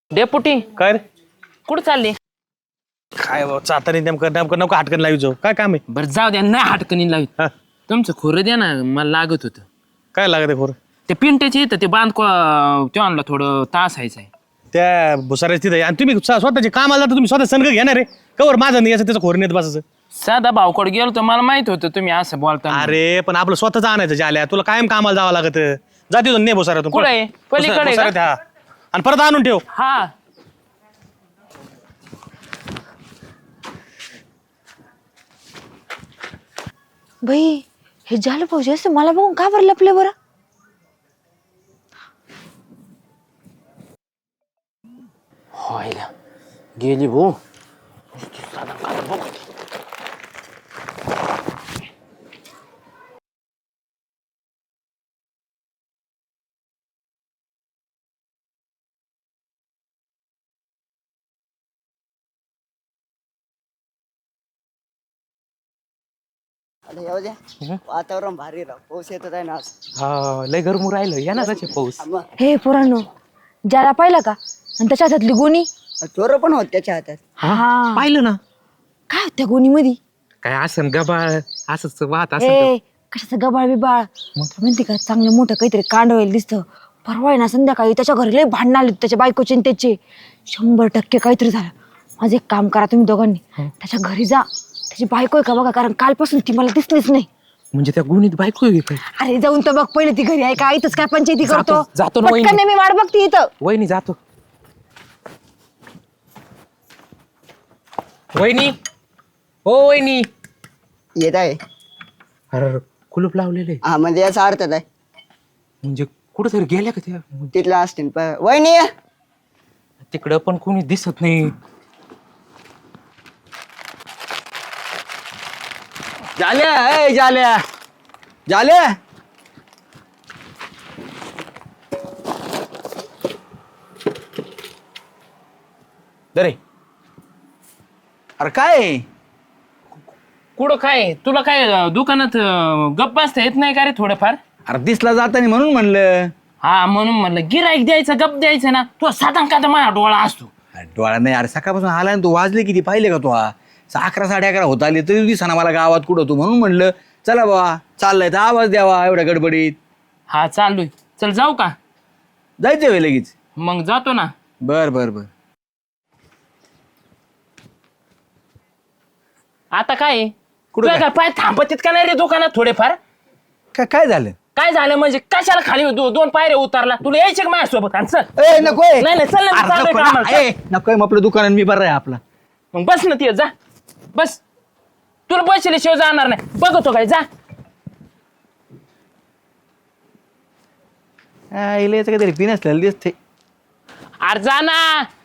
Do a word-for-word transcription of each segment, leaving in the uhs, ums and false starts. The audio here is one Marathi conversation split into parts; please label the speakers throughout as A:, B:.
A: डेपुटी
B: काय रे
A: कुठं चालले?
B: काय चाताने नेमकं नेमकं नको हटकन लावायचो काय काम आहे
A: बरं जाऊ द्या, नाही हटकणी लावित.
B: हा,
A: तुमचं खोरं द्या ना, मला लागत होतं.
B: काय लागत आहे खोर
A: ते पिंट्याचे येतं ते बांध ते आणलं थोडं तास आहे.
B: त्या भुसाऱ्याच तिथे आणि तुम्ही स्व- स्वतःचे काम आला तर तुम्ही स्वतः सनग घेणार आहे कवर माझं नाही याचं त्याचं खोर नेत बसायचं.
A: साधा भावकडे गेलो तर मला माहित होतं तुम्ही असं बोलता.
B: अरे पण आपलं स्वतःच आणायचं जाल्या तुला कायम कामाला जावं लागत जाते ने भुसाऱ्यातून
A: कुठं आहे? पलीकडे आहे का?
B: भुसाऱ्यात, हा. आणि परत आणून ठेव.
A: हा
C: बाई हे झालं पाहिजे असं मला बघून का बरं लपले बरं.
A: व्हायला गेली भाऊ.
D: अरे येऊ द्या वातावरण भारी राव पाऊस येत आहे ना आज.
A: हा लय गरमू राहिलं या ना त्याचे पाऊस.
D: मग
C: हे पोरांनो ज्याला पाहिलं का आणि त्याच्या हातातली गोणी.
D: चोर पण होत त्याच्या हातात.
C: हा
A: पाहिलं ना
C: काय होत त्या गोणी मध्ये.
A: काय असं गबाळ असंच वाहत असं.
C: ए कशाचं गबाळ बिबाळ म्हणते का चांगलं मोठं काहीतरी कांड व्हायला दिसतं. परवा आहे ना संध्याकाळी त्याच्या घरी लय भांडण आले त्याच्या बायकोचे आणि त्याचे शंभर टक्के काहीतरी झालं. माझं एक काम करा तुम्ही दोघांनी त्याच्या घरी जा. त्याची बायको आहे का बघा कारण कालपासून ती मला दिसलीच नाही.
A: म्हणजे त्या गुणीत बायको आहे काय?
C: अरे जाऊन तर बघ पहिले ती घरी आहे का इथंच काय पंचायती करतो.
A: जातो- जातो ना वहिनी.
C: पटकन मी वाट बघते इथं.
A: वहिनी जातो. वहिनी हो वहिनी.
D: येत आहे
A: अरे कुलूप लावलेलं आहे.
D: हा म्हणजे याचा अर्थ आहे
A: म्हणजे कुठं तरी गेल्या का त्या?
D: तिथला असतील प- वहिनी ये.
A: तिकडं पण कोणी दिसत नाही.
D: झाल्या ए झाल्या झाल्या
E: दरे अरे काय
A: कुठं काय तुला काय अं, दुकानात अं, गप्प बसता येत नाही का रे थोडंफार?
E: अरे दिसला जातानी म्हणून म्हणलं.
A: हा म्हणून म्हणलं गिराईक द्यायचं गप द्यायचं ना. तो साधा का माझा डोळा असतो.
E: अरे डोळा नाही अरे सकाळपासून आला ना तू वाजले किती पाहिले का तू हा अकरा साडे अकरा होत आली तरी दिसाना मला गावात कुठं तू म्हणून म्हणलं चला बाबा चाललाय तर आवाज द्यावा एवढ्या गडबडीत.
A: हा चाललोय. चल जाऊ का?
E: जायचं वे लगेच.
A: मग जातो ना.
E: बर बर बर
A: आता काय
E: कुठं
A: तुला
E: काय?
A: काय पाय थांबत का नाही रे दुकानात थोडेफार?
E: काय काय झालं
A: काय झालं म्हणजे कशाला खाली दो- दोन पायऱ्या उतारला? तुला यायचे का माझ्यासोबत? आणि चल.
E: ए नकोय
A: नाही नाही चल ना,
E: अरे,
A: चाललोय
E: नको
A: कामाला,
E: ना.
A: चल.
E: ए, नकोय मग आपलं दुकान मी बरं आहे आपला.
A: मग बस ना ती जा बस. तुला बसल्याशिवाय जाणार नाही. बघतो काय जा.
E: इला याचं काहीतरी पिन असलेलं दिसते.
A: अरे जा ना.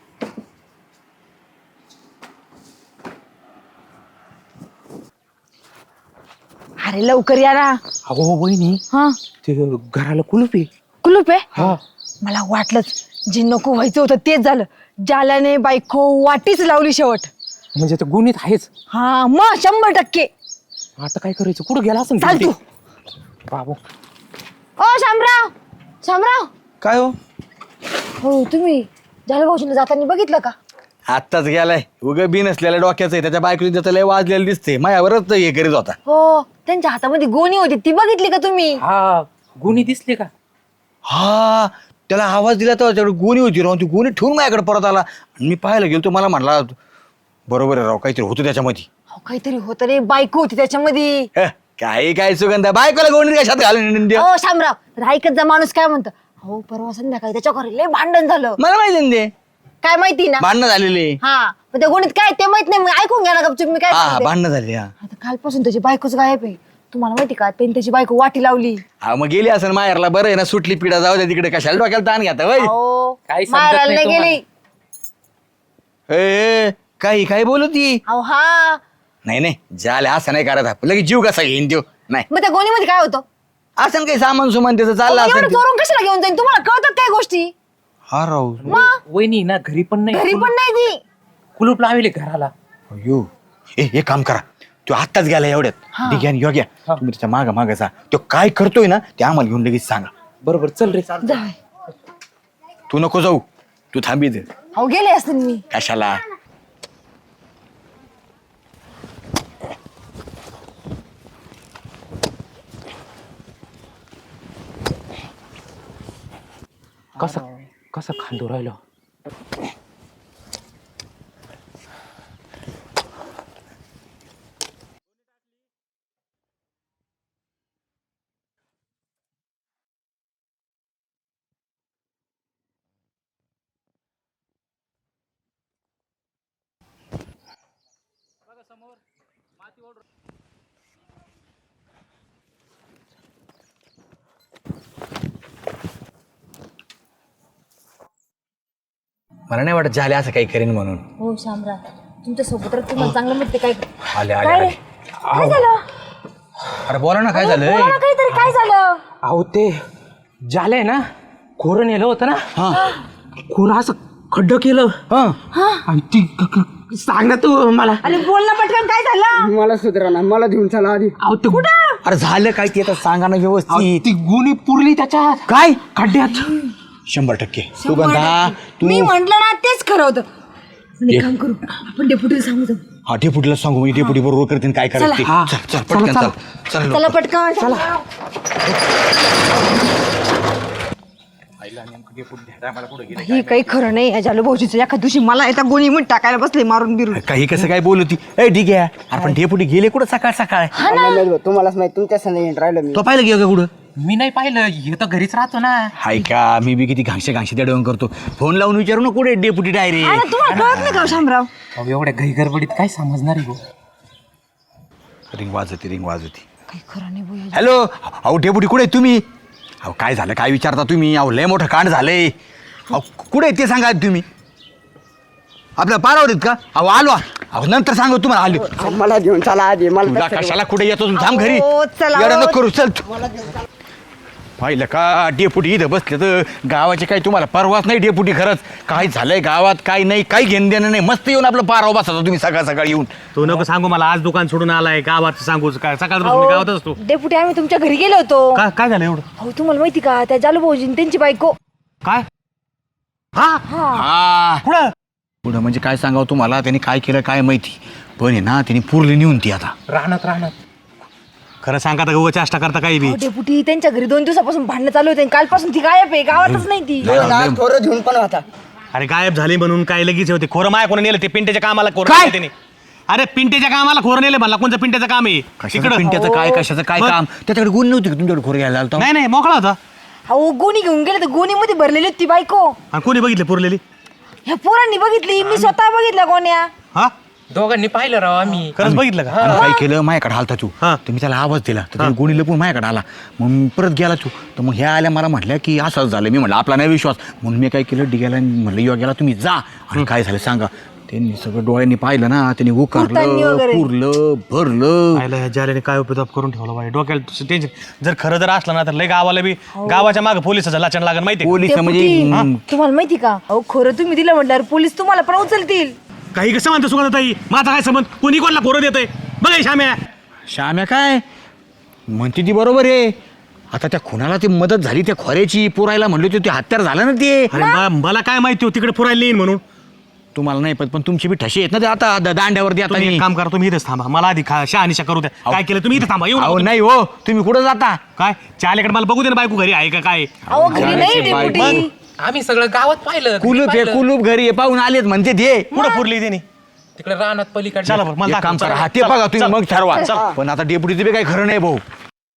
C: अरे लवकर या ना.
A: अहो वहिनी
C: हा
A: ते घराला कुलूप आहे.
C: कुलूप आहे.
A: हा
C: मला वाटलंच जे नको व्हायचं होतं तेच झालं. जाल्याने बायको वाटीच लावली शेवट.
A: म्हणजे ते गुन्हेत आहेच.
C: हा मग शंभर टक्के.
A: आता काय करायचं? कुठं गेला असं
C: चाल तू.
A: बाबू
C: ओ शामराव शामराव.
E: काय हो
C: हो तुम्ही जाल्या भाऊजीला जाताना बघितलं का?
E: आत्ताच गेलाय उग बिन असलेल्या डोक्याचं आहे त्याच्या बायकोची त्याचं लय वाजलेलं दिसते माझ्यावरच हे करीत होता.
C: हो त्यांच्या हातामध्ये गोणी होती ती बघितली का तुम्ही?
A: हा गुन्हे दिसले का?
E: हा त्याला आवाज दिला तर त्याच्याकडे गोणी होती राहून ती गोणी ठेवून माझ्याकडे परत आला आणि मी पाहायला गेलो तो मला म्हणला बरोबर आहे राव काहीतरी होतं त्याच्यामध्ये.
C: हो काहीतरी होतं रे बायको होती त्याच्यामध्ये.
E: ह, काही काय सुगंध बायकोला गोणी कशात घालून देऊ?
C: हो शामराव तर ऐकत जा माणूस काय म्हणतो. हो परवा संध्याकाळी त्याच्या घरी लय भांडण झालं.
E: मला माहिती ना ते
C: काय माहिती ना.
E: भांडणं झालेले.
C: हा पण त्या गोणीत काय ते माहित नाही. मग ऐकून घ्या ना गपचूप मी काय
E: हा
C: सांगते.
E: भांडणं झाली हा
C: आता कालपासून त्याची बायकोच गायब आहे. तुम्हाला माहिती का त्यांनी त्याची बायको वाटी लावली.
E: हा मग गेली असं माहेरला बरं आहे ना सुटली पिढा जाऊ द्या तिकडे कशाला डोक्याला ताण घेता वय
C: हो
A: काही समजत
C: मारायला
A: नाही
C: नाही गेली.
E: ए, काही काही बोलू ती
C: अहो हा
E: नाही नाही झालं असं नाही करत आपण लगेच जीव कसा घेईन देऊ नाही
C: मग त्या गोणीमध्ये काय होतं?
E: असं काही सामान सुमान त्याचं चाललं
C: अहो, एवढं
E: असं
C: चोरून कशाला घेऊन जाईल? तुम्हाला कळतात काय गोष्टी?
E: हा राव
C: मग
A: वहिनी ना घरी पण नाही.
C: घरी पण नाही ती.
A: कुलूप लावले घराला.
E: अयो ए एक काम करा तो आत्ताच गेला एवढ्यात ठीक आहे योग्य तुम्ही त्याच्या माग माग जा तो काय करतोय ना ते आम्हाला घेऊन लगेच सांगा.
A: बरोबर चल रे.
C: जाय.
E: तू नको जाऊ तू थांबी दे
C: अहो गेले असते मी.
E: कशाला
A: कसं कसं खांदू राहिलो.
E: मला नाही वाटत झाले असं काही करेन म्हणून.
C: हो शामराव तुमच्या सोबत तुम्हाला चांगलं माहिती काय
E: आले आले
C: काय रे?
E: आले
C: काय झालं
E: अरे बोला ना काय झालंय.
C: बोला ना काहीतरी काय झालं.
A: अहो ते झालंय ना खोरं नेलं होतं ना.
E: हा
A: खोरं असं खड्डं केलं
E: हा
A: आणि ती क- क- सांग ना तू मला.
C: अरे बोल ना पटकन काय झालं.
D: मला सुधरा ना मला घेऊन चला आधी.
A: अहो ते
E: अरे झालं काय ते आता सांगा ना
A: अहो,
E: व्यवस्थित.
A: ती गुणी पुरली त्याच्यात
E: काय
A: खड्ड्यात.
E: शंभर टक्के सुगंधा तू
C: मी म्हंटल ना तेच खरं होतं. पण एक काम करू आपण डेपुटीला सांगू जाऊ.
E: हा डेपुटीला सांगू मी डेपुटी बरोबर करते काय करायचं ते.
A: हा.
E: चल चल पटकन चल चल
C: चला पटकन चला. ही काही खरं नाही या जालू भाऊजीचं. एका दिवशी मला एका गोणी मध्ये टाकायला बसले मारून बिरून.
E: काही कसं काय बोलती ए ठीक आहे अरे पण डेपुटी गेले कुठं सकाळ सकाळ.
D: तुम्हालाच माहिती तुमच्या संग राहिलो मी.
E: तो पाहिलं गेलं का कुठं.
A: मी नाही पाहिलं हे तर घरीच राहतो ना.
E: हाय का मी बी किती घांगशे घांगशे त्या करतो. फोन लावून विचारू ना कुठे डेपुटी डायरेक्ट.
C: अरे तुम्हाला कळत नाही का शामराव.
A: अहो एवढ्या घाई गडबडीत काय समजणार आहे गो.
E: Ring वाजवते ring वाजवते.
C: काही खरं नाही भाऊ.
E: हॅलो अहो डेपुटी कुठे आहे तुम्ही. अहो काय झालं काय विचारता तुम्ही. अहो लय मोठं कांड झालंय. अहो कुठे आहे ते सांगा आधी तुम्ही. आपल्या पारावर आहेत का. अहो आलो अहो नंतर सांगू तुम्हाला आलो.
D: मला घेऊन चला आधी. मला
E: तुला कशाला कुठे येतो तुम्ही थांब घरी.
C: अहो, चला.
E: येडं नको करू चल. पाहिलं का डेपुटी इथं बसले तर गावाची काही तुम्हाला परवाच नाही. डेपुटी खरंच काय झालंय गावात काय नाही काही घेणं देणं नाही. मस्त येऊन आपलं पारावर बसता तुम्ही सकाळ सकाळी येऊन.
B: तू नको सांगू मला आज दुकान सोडून आलाय गावात सांगू काय सकाळपासून मी गावातच असतो.
C: डेपुटी आम्ही तुमच्या घरी गेलो होतो.
B: का काय झालं एवढं.
C: अहो तुम्हाला माहिती का त्या जालू भाऊजी त्यांची बायको.
B: काय हा
E: हा
B: कुठं
E: पुढं म्हणजे काय सांगावं तुम्हाला. त्यांनी काय केलं काय माहिती पण आहे ना त्यांनी पुरली नेऊन ती आता.
A: राहणार राहणार
B: खरं सांगा तर चेष्टा करता काही बी.
C: अहो, डेपुटी त्यांच्या घरी दोन दिवसापासून भांडणं चालू होते. कालपासून ती गायब आहे गावातच नाही ती.
D: थोडं घेऊन पण होता.
B: अरे गायब झाली म्हणून काय लगेच होते. खोरं माया कोण नेलं ते पिंट्याच्या कामाला खोरं
E: काय?
B: नेलं त्याने. अरे पिंट्याच्या कामाला खोरं नेलं म्हणला. कोणतं पिंट्याचं काम आहे
E: कशाचं पिंट्याचं काय कशाचं काय
B: मग?
E: काम. त्याच्याकडे गुण नव्हती का तुमच्याकडे खोर घ्यायला आलता.
B: नाही नाही मोकळा होता.
C: अहो गोणी घेऊन गेले तर गोणीमध्ये भरलेली होती ती बायको.
B: आणि कोणी बघितलं पुरलेली.
C: ह्या पोरांनी बघितली. मी स्वतः बघितल्या गोण्या.
B: हा
A: दोघांनी पाहिलं राव आम्ही.
B: खरंच बघितलं का.
E: आणि काय केलं माझ्याकडे आलता तू.
B: हा.
E: तर मी त्याला आवाज दिला तर त्याने गोणी लपून माझ्याकडे आला. मग मी परत गेला तू तर मग ह्या आल्या मला म्हटल्या की असंच झालं. मी म्हटलं आपला नाही विश्वास म्हणून मी काय केलं डिग्याला म्हटलं योग्याला तुम्ही जा आणि काय झालं सांगा. त्यांनी सगळं डोळ्यांनी पाहिलं ना. त्यांनी
C: कुर्तांनी
E: उकारलं
C: वगैरे.
E: पुरलं भरलं.
B: आयला ह्या जाल्याने काय उपयोग करून ठेवला बाई. डोक्याला टेन्शन जर खरं जर असलं ना तर लय गावाला बी गावाच्या मागे पोलिसाचा लाचण लागेल माहिती
E: पोलीस
C: डेपुटी,
E: म्हणजे
C: तुम्हाला माहिती का अहो खरं तुम्ही दिलं म्हटल्यावर पोलीस तुम्हाला पण उचलतील.
B: काही कसं म्हणतो सुगंधताई. माझा काय संबंध. कोणी कोणाला खोरं देतंय बघा श्याम्या.
E: श्याम्या काय म्हणते ती बरोबर आहे. आता त्या खुनाला ती मदत झाली त्या खोऱ्याची पुरायला म्हणले होते ते हत्यार झालं ना ते.
B: अरे मा- मला काय माहिती हो तिकडे पुरायला येईन म्हणून.
E: तुम्हाला नाही पण पण तुमची बी ठशी आहेत ना ते आता द- दांड्यावरती आता
B: तुम्ही एक
E: मी.
B: काम करा तुम्ही इथेच थांबा. मला आधी खा शहानिशा करू द्या. काय केलं तुम्ही इथे थांबा. येऊ
E: अहो
B: नका
E: नाही हो तुम्ही कुठं जाता.
B: तुम्ही. काय चालेकडे मला बघू दे ना बायको घरी आहे का काय.
C: अहो घरी नाही डेपुटी.
A: आम्ही सगळं गावात पाहिलं. घरी
E: कुलूप आहे
A: पाहिलं.
E: कुलूप घरी आहे, पाहून आलेत म्हणते ते.
B: कुठं पुरली त्याने.
A: तिकडे राहणार पलीकडे.
B: चला बरं मला
E: एक काम
B: दाखव.
E: करा
B: चला.
E: हा ते
B: चला.
E: बघा तुम्ही
B: चला.
E: मग ठरवा.
B: चला.
E: पण आता डेपुटीचं बी काही खरं नाही भाऊ.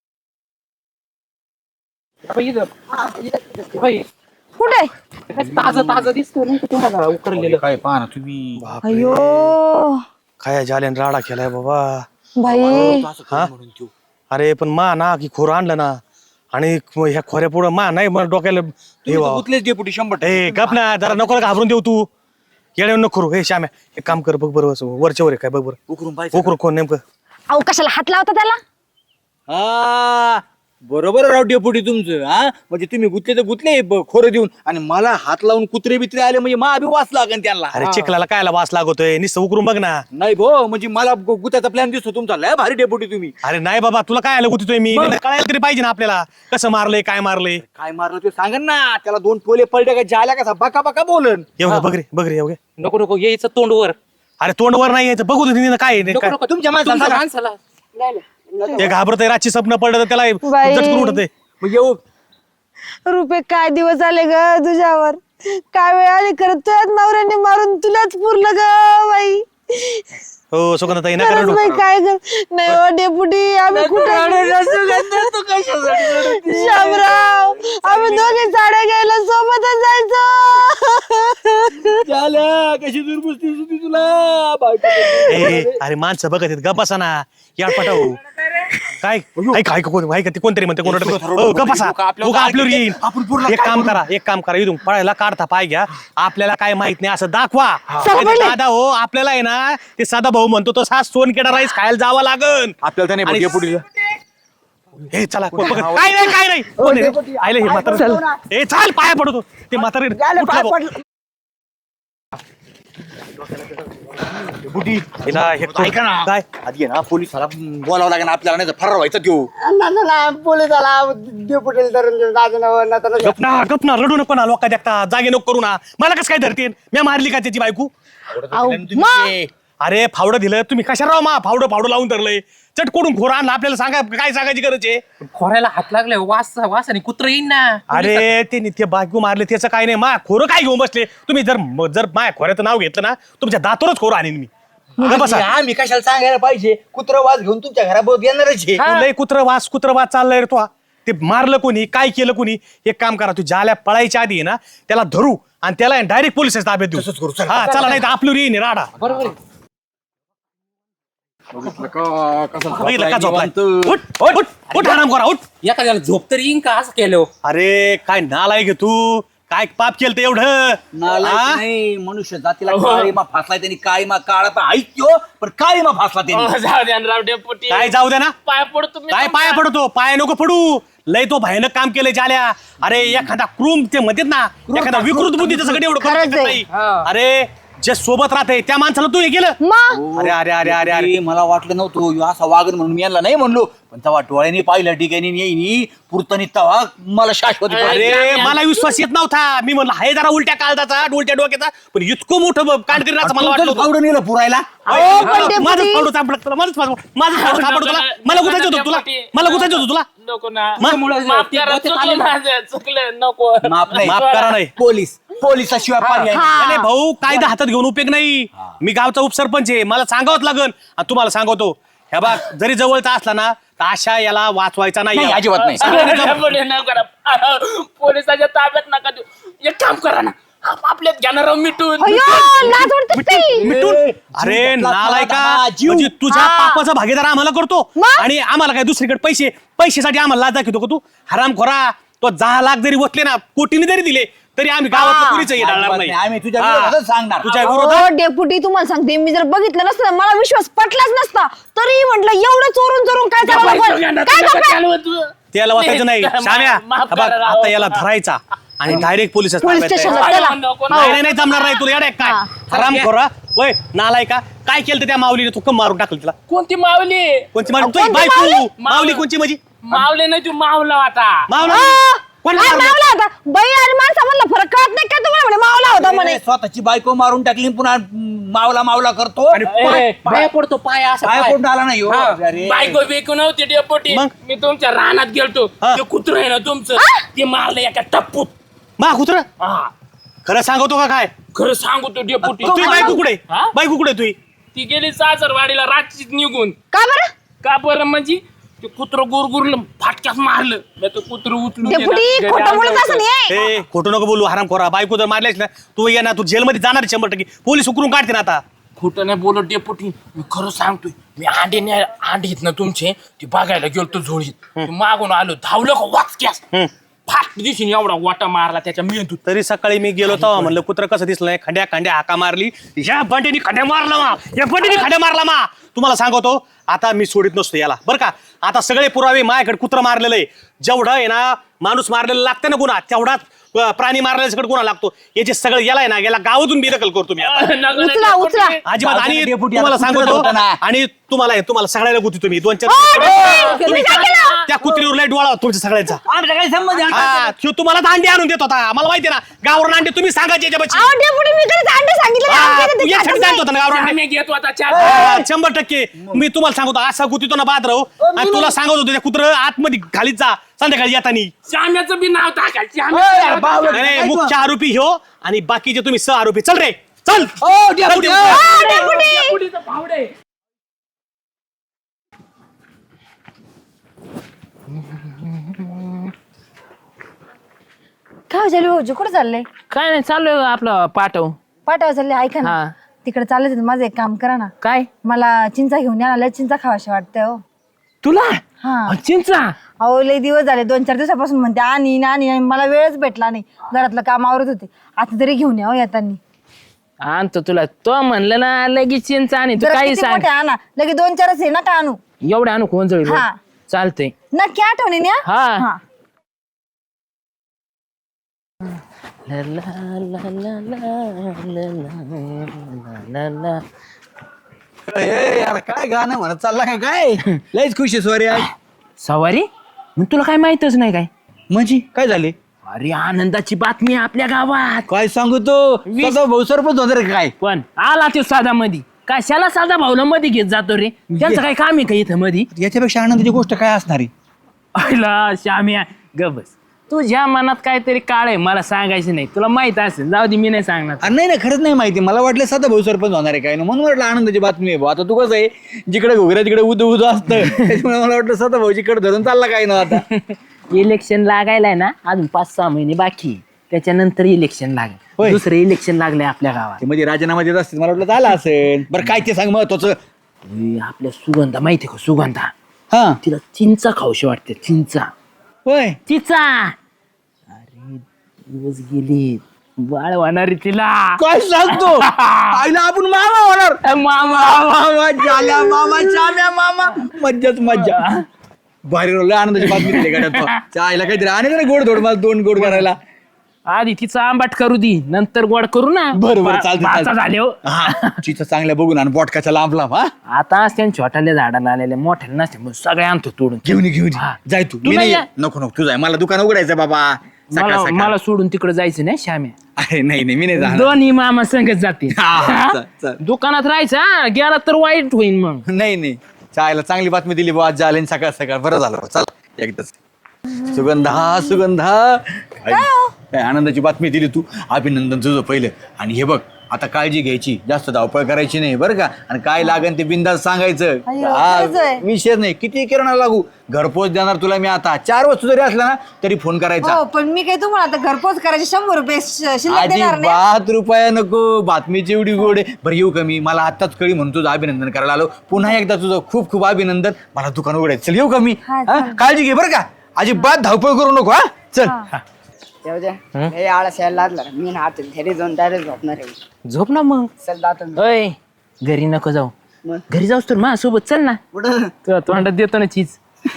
C: कुठे
A: ताजं ताजं दिसतो नाही का तुम्हाला उकरलेलं.
E: काय पाहा ना तुम्ही.
C: अयो
B: काय जाल्याने राडा केलाय बाबा.
C: बाई
B: हा अरे पण मा ना की खोरं आणलं ना आणि ह्या खोऱ्या पुढं मा नाही मला डोक्याला हे व्हावं.
E: डेपुटी शंभर
B: ए गप ना जरा नको घाबरून देऊ तू. येड्या नको करू. हे श्याम्या एक काम कर बघ बरं असं वरच्या वर आहे काय बघ बरं.
E: उकरून पाहिजे.
B: उकरू कोण नेमकं.
C: अहो कशाला हात लावता त्याला.
E: हा बरोबर राव डेपुटी तुमचं हा म्हणजे तुम्ही गुतले तर गुतले ब- खोरं देऊन आणि मला हात लावून कुत्रे बित्रे आले म्हणजे मा बी वास लागेल त्यांना.
B: अरे चिखलाला कायला वास लागतोय नुसतं उकरून बघ ना.
E: नाही भो म्हणजे मला गु- गुत्याचा प्लॅन दिसतो तुमचा लय भारी डेपुटी तुम्ही.
B: अरे नाही बाबा तुला काय आलं गुततोय मी कळायला तरी पाहिजे ना आपल्याला कसं मारलंय काय मारलंय.
E: काय मारलं ते सांगा ना त्याला दोन टोले पडले का जाल्या कसा बका बका बोलन.
B: एवढं बघ रे बघ रे एवढे.
A: नको नको यायचं तोंडवर.
B: अरे तोंडवर नाही यायचं बघू दे तिने काय आहे,
A: नको
B: काय
A: नको
E: तुमच्या माणसाला
A: तुमच्या
E: सांगा.
A: माणसाला.
D: नाही नाही नको.
B: ते घाबरतय रातची स्वप्न पडलं तर त्याला
C: बाई.
B: झटकून उठत
E: मग येऊ
C: रुपये काय दिवस आले ग तुझ्यावर, काय वेळ आली खरं तुझ्याच नवऱ्याने मारून तुलाच पुरलं ग बाई.
B: हो सुगंधताई नका
C: खरंच
B: रडू.
C: बाई काय कर नाही हो डेपुटी आम्ही कुठे शामराव आम्ही दोघे साड्या घ्यायला सोबतच जायचो.
E: झाल्या कशी दुर्बुस्ती होती तुला बायको.
B: ए, अरे माणसं बघत आहेत गपासा ना या पटाऊ काय ऐक ऐक कोण ऐक ते कोणतरी म्हणते कोण गपासा उगा आपल्यावर येईल. एक काम करा एक काम करा इथून पळायला काढता पाय घ्या आपल्याला काय माहित नाही असं दाखवा. दादा हो आपल्याला आहे ना ते साधा भाऊ म्हणतो तो सास सोनकेडा राईस खायला जावं लागन
E: आपल्याला त्याने
B: आणि-
E: डेपुटी
B: हे चला कोण बघत- काय नाही काय नाही कोण आहे रे? आले हे म्हातारं ए चाल पाया पडतो ते म्हातारे
D: झालं, पाय
B: उठलं
D: पडलं.
B: बघ. हिला हे
E: ऐका ना
B: काय
E: आधी आहे ना पोलिसाला बोलावं लागेल आपल्याला नाही तर फरार व्हायचा त्यो.
D: ना ना ना पोलिसाला डेपुटीला धरून दादा ना तर
B: गप ना गप ना रडू नको ना लोक देखता जागे नको करू ना मला कसं काय धरते मी मारली का त्याची बायको. अरे फावडं दिलं तुम्ही कशा राव मा फावडं फावडं लावून धरलंय चटकोडून खोर आणलं आपल्याला सांगा काय सांगायची गरज आहे.
A: खोऱ्याला हात लागले वास वास आणि कुत्र येईन ना.
B: अरे ते ते बायको मारले त्याचं काय नाही मा खोरं काय घेऊन बसले तुम्ही जर जर माया खोऱ्याचं नाव घेतलं ना तुमच्या दातोरच खोरं आणीन मी. गप बसा.
E: आम्ही कशाला सांगायला पाहिजे कुत्र वाज घेऊन तुमच्या घराबरोबर येणारच आहे.
B: तू लय कुत्र वास कुत्र वास चाललाय रे तो ते मारलं कोणी काय केलं कोणी एक काम करा तू ज्याला पळायच्या आधी आहे ना त्याला धरू आणि त्याला डायरेक्ट पोलिस ताब्यात देऊ.
E: तसंच करू, चला.
B: हा चला नाही तर आपल्यावर येईन राडा.
A: बरोबर आहे.
B: बघितलं का झोपलाय? उठ उठ उठ आराम करा उठ.
A: एखाद्याला झोप तरी येईन का असं केलं.
B: अरे काय नालाय घे तू काय पाप केलं ते एवढं
E: नालायक
B: हा?
E: नाही मनुष्य जातीला काळीमा फासलाय त्यांनी काळीमा काळा पण ऐकतो पण काळीमा फासला त्यांनी.
A: हो, जाऊ द्या ना राव डेपुटी.
B: काय जाऊ दे ना
A: पाय पडतो मी
B: काय पाया
A: तुमच्या.
B: पडतो पाया नको पडू लय तो भयानक काम केलंय जाल्या. अरे एखादा क्रूम ते म्हणतात ना एखादा विकृत बुद्धीचं सगळं एवढं करू
C: खरंच
B: शकत
C: आहे.
B: नाही.
A: हा.
B: अरे जे सोबत राहते त्या माणसाला तू हे केलं.
C: मग
B: अरे अरे अरे अरे अरे
E: अरे मला वाटलं नव्हतं ह्यो असा वागण म्हणून मी यांना नाही म्हणलो पण तेव्हा डोळ्यांनी पाहिलं ठिकाणी येईनी पुरतानी तवा मला शाश्वती
B: अरे
E: पाहिजे.
B: मला विश्वास येत नव्हता मी म्हणलं हाय जरा उलट्या काळजाचा उलट्या डोक्याचा पण इतकं मोठं कांडगिरी असं मला वाटलं होतं.
E: फावडं नेलं पुरायला.
C: अहो, पण ते
B: माझं
C: पुरी-
B: फावडं सापडलं तुला माझं फावडं माझं फावडं सापडलं तुला मला गुतायचं होतं तुला मला गुतायचं होतं तुला
A: नको ना.
B: मग?
A: माफ करा, चुकलं माझं, चुकलं नको.
E: माफ नाही
B: माफ करा नाही.
E: पोलीस पोलिसाशिवाय पर्याय नाही.
C: हा.
B: नाही भाऊ कायदा हातात घेऊन उपयोग नाही मी गावचा उपसरपंच आहे मला सांगावंच लागन आणि तुम्हाला सांगतो ह्या बा जरी जवळचा असला ना तर अशा याला वाचवायचा नाही
E: नाही, अजिबात नाही.
A: डेपुटी, नको करा. पोलिसाच्या ताब्यात नका देऊ. एक काम करा ना आप- आपल्यात घेणार मिटून.
C: अय्यो, लाज वाटते ताई.
B: मिटून
E: ए,
B: अरे
E: जीव
B: नालाय का
E: टाकला, जीव.
B: म्हणजे तुझ्या
C: हा.
B: पापाचा भागीदार आम्हाला करतो
C: मग?
B: आणि आम्हाला काय दुसरीकडे पैसे पैशासाठी आम्हाला लाज दाखवतो का तू हराम खोरा तो दहा लाख जरी वसले ना कोटीने जरी दिले तरी आम्ही गावात कुणीच हे डाळणार
E: अजिबात
B: नाही.
E: नाही. आम्ही तुझ्या
B: हा.
E: विरोधातच सांगणार.
B: तुझ्या विरोधात
C: हो डेपुटी तुम्हाला सांगते मी जर बघितलं नसतं ना, मला विश्वास पटलाच नसता तरी म्हटलं एवढं चोरून चोरून काय चालू
A: पैसे
C: लोकं-
A: घेणार,
C: काय
A: नका
C: करताय?
A: चालवू तू.
B: त्याला वाचायचं नाही
A: मा-
B: शाम्या
A: माफ
B: बघ,
A: करा राव.
B: आता याला धरायचा आणि डायरेक्ट पोलीस
C: पोलीस स्टेशनला चला.
A: नको ना.
B: नाही नाही नाही जमणार नाही तुला येडे काय
C: हा.
B: हराम खोरा वय नालाय का काय केलं तर त्या माऊलीने तू कम मारून टाकलं तिला
A: कोणती मावली
B: कोणची मावली
C: कोणती
B: तुझी बायको
C: माऊली?
B: माऊली कोणची माझी
A: मावले नाही तू मावला आता.
B: मावला
C: आ,
B: कोणाला
C: काय
B: मारलं?
C: मावला होता बाई आणि माणसामधला फरक कळत नाही का तुम्हाला म्हणे मावला होता म्हणे
E: अरे, स्वतःची बायको मारून टाकली पुन्हा मावला मावला करतो
B: आणि
A: ए, पाया पडतो पाया असं
E: काय
A: पाय.
E: कोण आला नाही हो.
A: हा.
E: अरे.
A: बायको बिको नव्हती डेपोटी
B: मग?
A: मी तुमच्या रानात गेलतो
B: हा.
A: ते कुत्र आहे ना तुमचं ते मारलं एका टप्पूत.
B: मा कुत्र
A: हा.
B: खरं सांगतो का काय
A: खरं सांगू तो डेपोटी
B: तुझी बायको कुठे
A: हा?
B: बायको कुठे तुझी
A: ती गेली सासरवाडीला रात्रीच निघून.
C: का बरं
A: का बरं म्हणजे ते कुत्र गुरगुरलं फाटक्यात मारलं मी तो कुत्र उचलून
C: डेपुटी
A: गेला. घरी
C: खोटं बोलत
A: आणलं
C: असं
A: होतं.
C: नाही
B: ए खोटं नको बोलू हराम खोरा बायको जर मारल्यास ना तू ये ना तू जेलमध्ये जाणार आहे शंभर टक्के पोलीस उकरून काढते ना आता
A: खोटं नाही बोलत डेपुटी मी खरं सांगतोय मी अंडे न्या अंडे आहेत ना तुमचे ते बघायला गेलो तो झोळीत ते मागून आलो धावलं का वाचक्यास फास्ट दिसून एवढा वाटा मारला त्याच्या मेंदूत.
B: तरी सकाळी मी गेलो तेव्हा म्हणलं कुत्र कसं दिसलं नाही, खंड्या खंड्या हाका मारली, या बंटीनी खंड्या मारला मा, या बंटीनी खंड्या मारला मा. तुम्हाला सांगतो आता मी सोडित नसतो याला बरं का. आता सगळे पुरावे माझ्याकडे कुत्र मारलेलं आहे. जेवढं आहे ना माणूस मारलेला लागतं ना गुन्हा, तेवढाच अं, प्राणी मारल्याकडे गुन्हा लागतो. याचे सगळं याला आहे ना गेला गावातून बेदखल करतो मी आता.
A: नगर-
C: उचला उचला
B: अजिबात. आणि
E: डेपुटी,
B: तुम्हाला
E: आता कुत्रं
B: सांगतो
E: होतं ना.
B: आणि तुम्हाला तुम्हाला सगळ्याला गुती तुम्ही दोन चार
C: डेपुटी,
B: तुम्ही
C: काय केलं?
B: त्या कुत्रीवर लय डोळा होता तुमच्या सगळ्यांचा.
E: आमचा काही संबंध आहे?
B: हा, ह्यो तुम्हाला तर अंडे आणून देत होता. मला माहिती ना गावरून अंडे तुम्ही सांगायचे याच्यापाशी.
C: अहो डेपुटी मी कधीच अंडे सांगितलं नाही.
B: हा,
C: आमच्या इथे
B: तू
C: ते
B: यासाठी
C: खातच
B: सांगत
C: नाही.
B: होता ना गावरून अंडे.
A: आम्ही घेतो आता चार.
B: हा, शंभर टक्के मी तुम्हाला सांगतो असा गुतीतो ना बाद राहू. आणि तुला सांगत होतो त्या कुत्र आतमध्ये खालीच जा संध्याकाळी येतानी.
A: श्याम्याचं बी नाव टाकायचं.
E: ओय,
A: श्याम्याचं नाव
E: बावळट.
A: टाकायचं.
B: अरे मुख्य आरोपी ह्यो आणि बाकीचे तुम्ही सह आरोपी. चल रे चल.
E: ओ, डेपुटी,
B: चल,
E: ओ.
C: अहो, डेपुटी
A: डेपुटीचं भावडे.
C: काय झालं भाऊजी कुठे चाललंय?
A: काय नाही चालू आपलं पाठव.
C: पाठवा चालले ऐका ना.
A: हा.
C: तिकडे चालले माझं एक काम करा ना.
A: काय
C: मला चिंचा घेऊन या ना, लय चिंचा खावाशी वाटतंय हो.
A: तुला
C: हा
A: चिंचा
C: अहो लय दिवस झाले, दोन चार दिवसापासून म्हणते आणि आणि आणि मला वेळच भेटला नाही. घरातलं काम आवरत होते. आता तरी घेऊन या हो येतानी.
A: आणतो तुला. तो म्हणलं ना लगेच चिंचा आणि तू
C: जरा
A: काही
C: किती
A: सांग.
C: मोठे आणा, लगे दोन चारच आहे ना का आणू.
A: एवढे आणू कोण जळ
C: हा.
A: चालतंय.
C: नक्की आठवणी या.
A: हा.
C: हा
A: ला ला ला ला ला ला ला ला ला.
E: ए, यार काय गाणं म्हणत चालला काय काय लयच खुश आहे सॉरी आज.
A: सवारी मग तुला काय माहितच नाही काय.
E: म्हणजे काय झाले?
A: अरे आनंदाची बातमी आहे आपल्या गावात.
E: काय सांगू तो स्वतः भाऊ सरपंच होता रे काय?
A: पण आला तो साधा मधी. कशाला साधा भाऊला मध्ये घेत जातो रे. त्यांचं काय काम आहे का इथं मधी.
E: याच्यापेक्षा आनंदाची गोष्ट काय असणार आहे?
A: अहिला श्याम्या गबस. तुझ्या मनात काहीतरी काळ आहे मला सांगायचं नाही. तुला माहित असेल. जाऊ दे मी नाही सांगणार.
E: अरे नाही नाही खरंच नाही माहिती. मला वाटलं साधा भाऊ सरपंच होणार आहे काय ना, म्हणून वाटलं आनंदाची बातमी आहे भाऊ. आता तू कसं आहे जिकडे घोगऱ्या तिकडे उद उद असतं त्याच्यामुळे मला वाटलं साधा भाऊची कडे धरून चालला काय ना. आता
A: इलेक्शन लागायलाय ना अजून पाच सहा महिने बाकी आहे. त्याच्यानंतर इलेक्शन लागेल.
E: होय.
A: दुसरं इलेक्शन लागलंय आपल्या गावात.
E: ते मध्ये राजीनामा देत असतील मला वाटलं झालं असेल. बरं काय ते सांग महत्वाचं.
A: अरे, आपल्या सुगंधा माहितीये का सुगंधा.
E: हा
A: तिला चिंचा खाऊशी वाटते. चिंचा
E: होय
A: चिंचा. अरे दिवस गेली बाळ होणार तिला.
E: काय सांगतो आईला आपण मामा होणार.
A: मामा
E: मामा झाल्या मामा चाम्या मामा मज्जाच मज्जा. भारी रोल आनंदाची बातमी दिली गाड्यात. आईला काहीतरी आणि ना गोड धोड मला दोन गोड करायला.
A: आधी तिचा आंबाट करू दी नंतर गोड करू ना.
E: बरं, बरं,
A: पा-
E: चालतंय,
A: पाचा
E: चालतंय.
A: झाले हो.
E: हा चिचा चांगल्या बघून आणि बोटकाच्या लांब लांब. हा
A: आता त्यांच्या छोट्याल्या झाडाला आलेले मोठ्या नसते मग सगळे आणतो तोडून.
E: घेऊन ये, घेऊन ये.
A: हा.
E: जाय तू.
A: तू
E: मी
A: नाही
E: नाही
A: या.
E: नको नको तू जाय. मला दुकान उघडायचं बाबा सकाळ
A: मला
E: सकाळ.
A: मला सोडून तिकडे जायचं नाही श्याम्या.
E: अरे नाही नाही मी नाही जाणार.
A: दोन्ही मामा संगत जाते.
E: हा, हा,
A: हा?
E: चल, चल.
A: दुकानात राहायचं हा. गेला तर वाईट होईल मग.
E: नाही नाही चायला चांगली बातमी दिली बुवा. आज झाले सकाळ सकाळ बरं झालं बुवा. चल एकदाच. सुगंधा सुगंधा काय आनंदाची बातमी दिली तू. अभिनंदन तुझं पहिलं. आणि हे बघ आता काळजी घ्यायची, जास्त धावपळ करायची नाही बरं का. आणि काय लागेल ते बिंदास सांगायचं.
C: अय्यो,
E: हा,
C: खरंच आहे.
E: विषय नाही किती किराणा लागू घरपोच देणार तुला मी. आता चार वस्तू जरी असला ना तरी फोन करायचा.
C: हो पण मी काय तुम्हाला आता घरपोच करायचे शंभर रुपये श- शिल्लक देणार नाही.
E: अजिबात रुपया नको. बातमीची एवढी गोड आहे. बरं येऊ कमी मला आत्ताच कळी म्हणून तुझं अभिनंदन करायला आलो. पुन्हा एकदा तुझं खूप खूप अभिनंदन. मला दुकान उघडायचं. चल येऊ कमी.
C: हा, चालेल.
E: काळजी घे बरं का. अजिबात धावपळ करू नको. हा चल.
D: येऊ द्या हे आळस यायला लागला मी ना हात घरी जाऊन डायरेक्ट झोपणार आहे.
A: झोप ना मग.
D: चल जातो मी.
A: अय घरी नको जाऊ.
D: मग?
A: घरी जाऊस तर माझ्यासोबत चल ना.
D: कुठं
A: तुला तोंडात देतो ना चीज.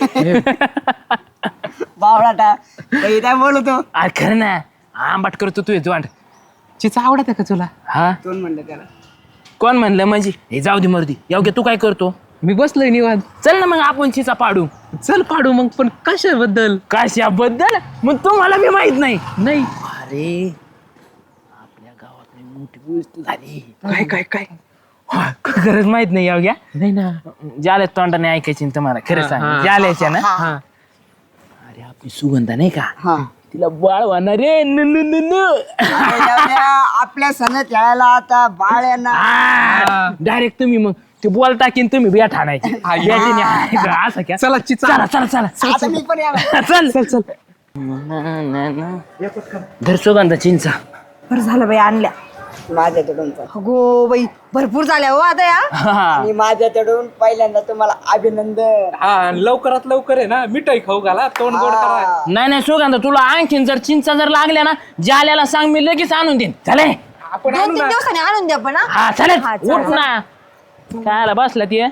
D: बावळाटा काही काय बोलतो
A: अरे खरं ना आंबाट करतो तू तोंड. चीज आवडत का तुला. हा
D: दोन म्हणलं त्याला.
A: कोण म्हणलं म्हणजे हे जाऊ दे मर्दी. योग्य तू काय करतो. मी बसलोय निवांत. चल ना मग आपण चिचा पाडू. चल पाडू मग. पण कशाबद्दल. कशाबद्दल मग तुम्हाला बी माहित नाही. नाही अरे आपल्या गावात लई मोठी गोष्ट झाली. काय काय काय गरज माहित नाही योग्या. नाही ना ज्याला तोंडाने ऐकायची ना तुम्हाला खरं सांग. ज्याल्याच्या ना. अरे आपली सुगंधा नाही का
D: हा
A: तिला बाळ होणार रे. न न न न.
D: अरे जाऊ द्या, आपल्या सणात यायला आता बाळ येणार.
A: डायरेक्ट तुम्ही मग ते बॉल टाकीन तुम्ही बॅट आणायची. बॅटीने आणायचं. असं क्या. चला चला चला चला
D: आता मी पण यायला.
A: चल चल चल. धर सुगंधा चिंचा.
C: बरं झालं बाई आणल्या.
D: माझ्याकडून पण.
C: अगो बाई भरपूर झाल्या हो आता या.
D: आणि माझ्याकडून पहिल्यांदा तुम्हाला अभिनंदन.
F: हा लवकरात लवकर आहे ना मिठाई खाऊ घाला तोंड गोड करा.
A: नाही नाही सुगंधा तुला आणखीन जर चिंचा जर लागल्या ना जाल्याला सांग मी लगेच आणून देईन चले.
F: आपण
C: दोन
F: आणू
C: तीन
F: ना.
C: दिवसांनी आणून द्या पण हा.
A: हा चालेल
C: हा, चालेल.
A: उठ ना काय बसला ती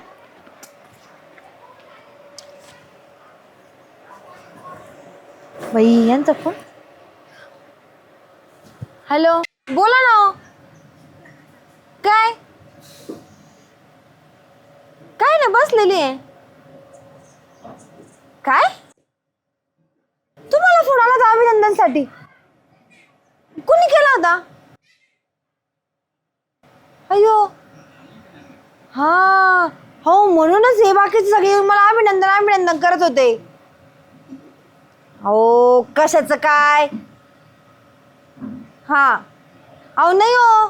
C: बाई यांचा फोन. हॅलो बोला ना हो. काय काय ना बसलेली आहे. काय तुम्हाला फोन आला होता अभिनंदनसाठी? कुणी केला होता? अयो हा हो म्हणूनच हे बाकीचे सगळे येऊन मला अभिनंदन अभिनंदन करत होते. अहो कशाचं काय? हा अहो नाही हो.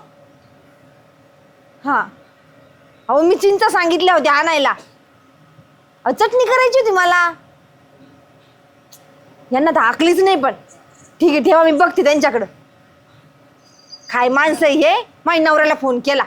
C: हा अहो मी चिंचा सांगितल्या होत्या आणायला. अहो चटणी करायची होती मला. यांना तर आकलीच नाही पण. ठीक आहे ठेवा मी बघते त्यांच्याकडं. काय माणसं आहे हे. माझ्या नवऱ्याला फोन केला.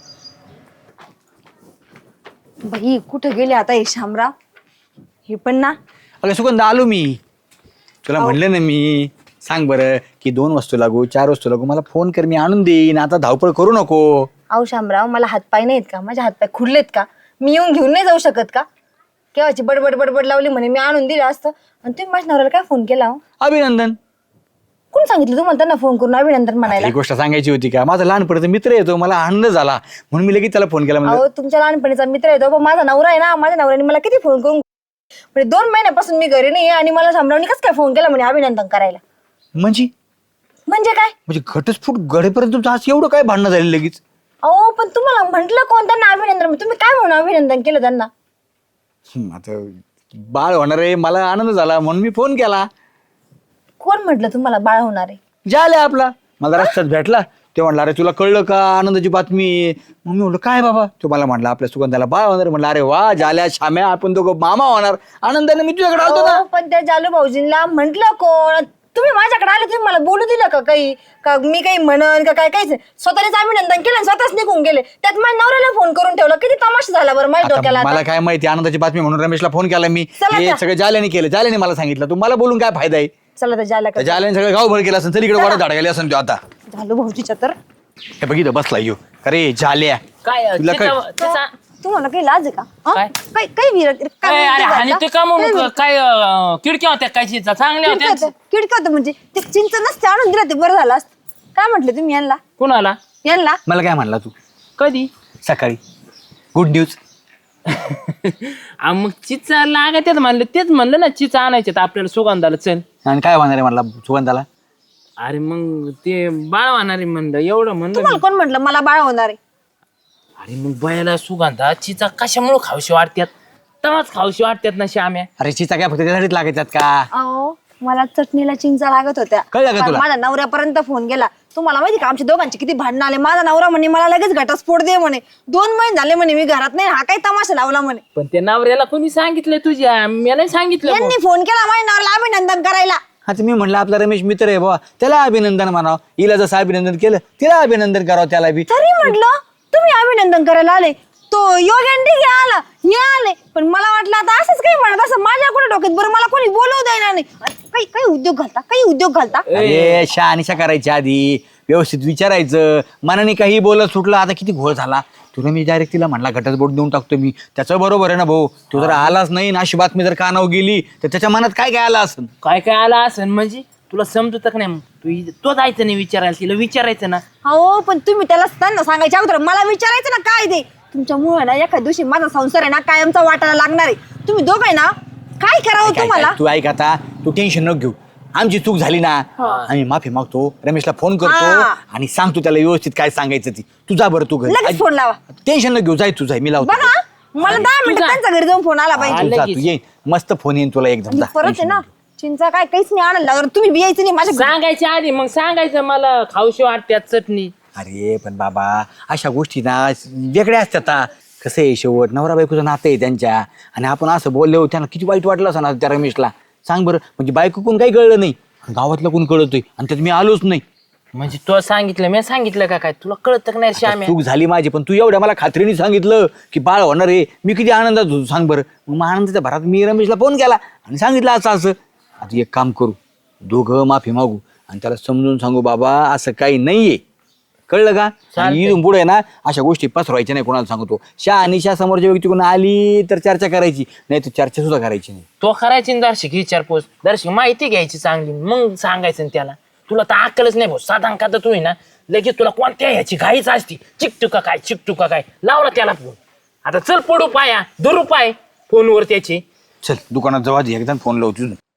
C: बाई कुठं गेले आता हे शामराव? हे पण ना
E: अगं सुगंधा आलो मी. तुला म्हणलं ना मी सांग बरं की दोन वस्तू लागू चार वस्तू लागू मला फोन कर मी आणून देईन. आता धावपळ करू नको.
C: अहो शामराव मला हातपाय नाहीत का? माझे हातपाय खुडलेत का? मी येऊन घेऊन नाही जाऊ शकत का? केव्हाची बडबड बडबड लावली म्हणे मी आणून दिलं असतं. आणि तुम्ही माझ्या नवऱ्याला काय फोन केला हो?
E: अभिनंदन.
C: कोण सांगितलं तुम्हाला त्यांना फोन करून अभिनंदन म्हणायला?
E: ही गोष्ट सांगायची होती का? माझा लहानपणीचा मित्र येतो मला आनंद झाला म्हणून मी लगेच त्याला फोन केला. म्हणजे
C: अहो तुमच्या लहानपणीचा मित्र येतो पण माझा नवरा आहे ना. माझ्या नवऱ्याने मला किती फोन करून म्हणजे दोन महिन्यापासून मी घरी नाही आणि मला शामरावने कसं काय फोन केला म्हणे अभिनंदन करायला?
E: म्हणजे
C: म्हणजे काय?
E: म्हणजे घटस्फोट घडेपर्यंत तुमचं आज एवढं काय भांडणं झाली लगेच?
C: अहो पण तुम्हाला म्हंटल कोण त्यांना अभिनंदन? तुम्ही काय म्हणून अभिनंदन केलं त्यांना?
E: हम्म, आता बाळ होणार आहे मला आनंद झाला म्हणून मी फोन केला.
C: कोण म्हटलं तुम्हाला बाळ होणार आहे?
E: झालं आपला मला रस्त्यात भेटला ते म्हणला अरे तुला कळलं का आनंदाची बातमी? मग मी म्हणलं काय बाबा? तो मला म्हणला आपल्या सुगंधाला बाळ होणार. म्हणलं अरे वा झाल्या श्याम्या आपण दोघं मामा होणार. आनंदाने मी तुझ्याकडे आलतो ना.
C: अहो, पण त्या जालू भाऊजींना म्हंटल कोण? तुम्ही माझ्याकडे आले तुम्ही मला बोलू दिलं का काही? का मी काही म्हणन का काय काहीच नाही. स्वतःच अभिनंदन केलं आणि स्वतःच निघून गेले. त्यात माझ्या नवऱ्याला फोन करून ठेवला. किती तमाशा झाला बरं माझ्या डोक्याला
E: आता
C: आता.
E: मला काय माहिती आनंदाची बातमी म्हणून रमेशला फोन केला मी.
C: चला
E: हे
C: त्या.
E: सगळं जाल्याने केलं. जाल्याने मला सांगितलं तू मला बोलून काय फायदा आहे?
C: चला तर जायला
E: त्या जाल्याने सगळं गावभर केलं असेल तरी इकडे वाडा झाड गेले असेल तो आता.
C: झालू भाऊजीच्या तर
E: हे बघितलं बसला येऊ. अरे झाल्या
A: काय
E: तुला काय-
A: चिचा- चिचा-
C: तुम्हाला काही लाज आहे का? हं?
A: काय?
C: काही काही विरत काय
A: काय अरे
C: विरत
A: आणि ते
C: का?
A: का
C: काही
A: मग
C: विरत?
A: काय अं, खिडक्या होत्या काय चिचा चांगल्या
C: किडकं
A: होत्या
C: होतं, किडकं होतं म्हणजे ते चिंच नसते आणून दिला ते बरं झालं असतं. काय म्हटले तुम्ही यांना?
A: कुणाला
C: यांना
E: मला काय म्हणला तू
A: कधी
E: सकाळी गुड न्यूज?
A: आ, मग चिचा लागत म्हणलं तेच म्हणलं ना चिचा आणायचे आपल्याला सुगंधाला चल.
E: आणि काय होणार आहे म्हणला सुगंधाला?
A: अरे मग ते बाळ वाहणारे म्हणलं एवढं म्हणलं
C: तुम्हाला कोण म्हटलं मला बाळ होणार आहे?
A: अरे मग बयाला सुगंधा चिचा कशामुळे खावशी वाटतात तेव्हाच खावशी वाटतात ना श्याम्या.
E: अरे चिचा काय फक्त त्यासाठीच लागायच्यात का?
C: अहो मला चटणीला चिंचा लागत होत्या.
E: कळलं का
C: काल
E: तुला?
C: माझ्या नवऱ्यापर्यंत फोन गेला. तुम्हाला माहिती का आमच्या दोघांचे किती भांडणं आले? माझा नवरा म्हणे मला लगेच घटस्फोट दे म्हणे. दोन महिने झाले म्हणे मी घरात नाही. हा काही तमाशा लावला म्हणे.
A: पण ते नवऱ्याला कोणी सांगितलंय तुझ्या? मी नाही सांगितलं बुवा.
C: यांनी फोन केला माझ्या नवऱ्याला अभिनंदन करायला.
E: आता मी म्हणलं आपला रमेश मित्र आहे बाबा त्याला अभिनंदन म्हणावं. हिला जसं अभिनंदन केलं तिला अभिनंदन करावं त्याला बी.
C: तरी म्हटलं तुम्ही अभिनंदन करायला आले. तो योगेंडी आला हे आले पण मला वाटलं आता असंच काही म्हणत असं माझ्या कुठे डोक्यात बरं मला कोणी बोलवू देणार नाही. काही काही उद्योग घालता काही उद्योग घालता.
E: अरे शहानिशा करायच्या आधी व्यवस्थित विचारायचं. मनाने काही बोलत सुटलं. आता किती घोळ झाला. तुला मी डायरेक्ट तिला म्हणला घटस्फोट देऊन टाकतो मी. त्याचं बरोबर आहे ना भाऊ. तो जर आलाच नाही ना अशी बातमी जर कानावर गेली तर त्याच्या मनात काय काय आलं असं?
A: काय काय आला असेल म्हणजे तुला समजत का नाही? मग तू इ- तो जायचं नाही विचारायला तिला विचारायचं ना.
C: हो पण तुम्ही त्याला त्यांना सांगायच्या अगोदर मला विचारायचं ना काय ते. तुमच्यामुळे ना एखाद्या दिवशी माझा संसार आहे ना कायमचा वाटायला लागणार आहे. तुम्ही दोघं आहे ना काय करावं
E: काय-
C: तुम्हाला?
E: काय- तू ऐक आता तू टेन्शन नको घेऊ. आमची चूक झाली ना आम्ही माफी मागतो. रमेशला फोन करतो
C: हा.
E: आणि सांगतो त्याला व्यवस्थित काय सांगायचं ती. तू जा बरं तू घरी.
C: लगेच फोन लावा.
E: टेन्शन नको घेऊ. जाय तू जाय मी लावतो.
C: बघा मला दहा मिनिटं त्यांच्या घरी जाऊन फोन आला पाहिजे.
E: तू जा
A: लगेच.
E: तू ये मस्त फोन येईन तुला एकदम.
C: आणि
E: जा,
C: परत आहे
E: tension
C: ना
E: नको.
C: चिंचा काय काहीच नाही आणायला लागणार. तुम्ही बियायचं नाही माझ्या घरी.
A: सांगायच्या आधी मग सांगायचं मला खावशी वाटत्यात चटणी.
E: अरे पण बाबा अशा गोष्टी ना वेगळ्या असतात. आता कसं आहे शेवट नवरा बायकोचं नातं आहे त्यांच्या. आणि आपण असं बोललो त्यांना किती वाईट वाटलं असं ना त्या रमेशला. सांग बरं म्हणजे बायको कोण काही कळलं नाही गावातलं कोण कळतोय आणि त्यात मी आलोच नाही.
A: म्हणजे तू सांगितलं मी सांगितलं का काय तुला कळत का नाही श्याम्या
E: चूक झाली माझी, पण तू एवढ्या मला खात्रीने सांगितलं की बाळ होणार आहे, मी किती आनंदात होतो सांग बरं. मग आनंदाच्या भरात मी रमेशला फोन केला आणि सांगितलं असं असं. आता एक काम करू, दोघं माफी मागू आणि त्याला समजून सांगू बाबा असं काही नाहीये, कळलं का? आणि इथून पुढे ना अशा गोष्टी पसरवायच्या नाही कोणाला सांगतो. शा आणि शा समोरच्या व्यक्ती कोण आली तर चर्चा करायची, नाही तर चर्चा सुद्धा करायची नाही.
A: तो करायची ना दर्शक विचारपोस, दर्शक माहिती घ्यायची चांगली, मग सांगायचं ना त्याला. तुला तर अक्कलच नाही भाऊ, साधारण का तर तुम्ही ना लगेच तुला कोणत्या ह्याची घाईच असती, चिकटू का काय चिकटू का काय लावला त्याला फोन. आता चल पडू पाया धरू पाय फोनवर त्याची.
E: चल दुकानात जाऊ आधी एकदा फोन लावतो.